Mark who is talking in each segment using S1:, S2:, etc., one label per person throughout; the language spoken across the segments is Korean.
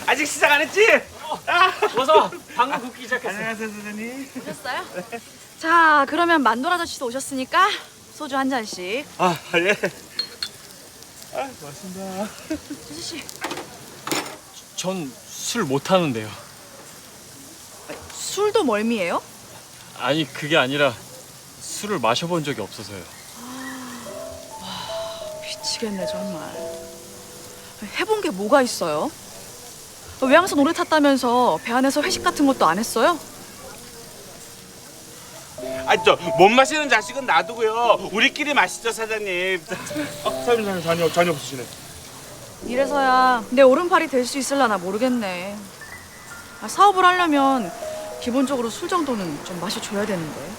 S1: 아직 시작 안 했지?
S2: 어서 방금 굽기 시작했어.
S1: 안녕하세요 선생님.
S3: 오셨어요? 자, 그러면 만돌 아저씨도 오셨으니까 소주 한 잔씩.
S1: 아 예. 아 고맙습니다.
S3: 아저씨.
S2: 전 술 못 하는데요.
S3: 술도 멀미예요?
S2: 아니 그게 아니라 술을 마셔본 적이 없어서요.
S3: 미치겠네 정말. 해본 게 뭐가 있어요? 외항선 오래 탔다면서 배 안에서 회식 같은 것도 안 했어요?
S1: 아 저 못 마시는 자식은 놔두고요. 우리끼리 마시죠 사장님. 사장님 잔이 없으시네.
S3: 이래서야 내 오른팔이 될 수 있을라나 모르겠네. 사업을 하려면 기본적으로 술 정도는 좀 마셔줘야 되는데.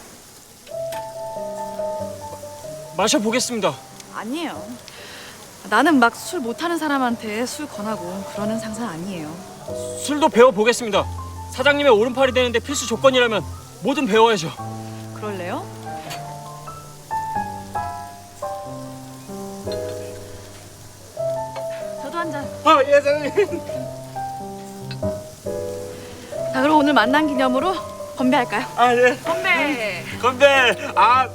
S2: 마셔보겠습니다.
S3: 아니에요. 나는 막 술 못하는 사람한테 술 권하고 그러는 상사 아니에요.
S2: 술도 배워보겠습니다. 사장님의 오른팔이 되는데 필수 조건이라면 뭐든 배워야죠.
S3: 그럴래요? 저도 한 잔.
S1: 예 사장님.
S3: 자, 그럼 오늘 만난 기념으로 건배할까요?
S1: 아 예.
S3: 건배!
S1: 건배. 아.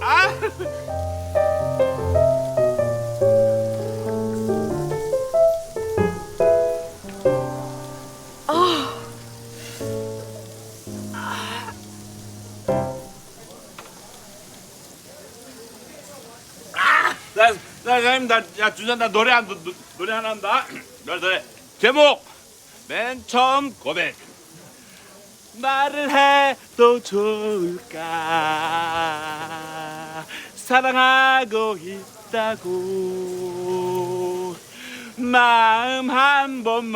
S1: 사장님 야 준현 나 노래 하나 한다. 노래 제목 맨 처음 고백. 말을 해도 좋을까 사랑하고 있다고 마음 한 번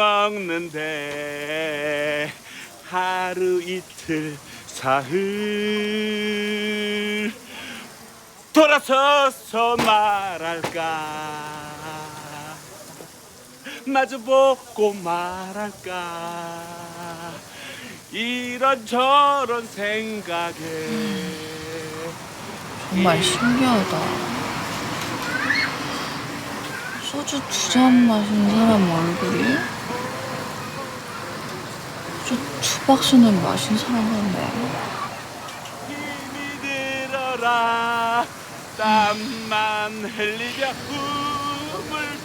S1: 먹는데 하루 이틀 사흘 돌아서서 말할까 마주보고 말할까 이런저런 생각에
S4: 정말 신기하다. 소주 2잔 마신 사람 얼굴이 소주 2박스는 마신 사람 같네.
S1: 힘이 들어라 땀만 흘리며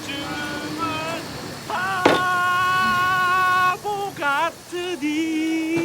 S1: 우물쭈물 바보 같으니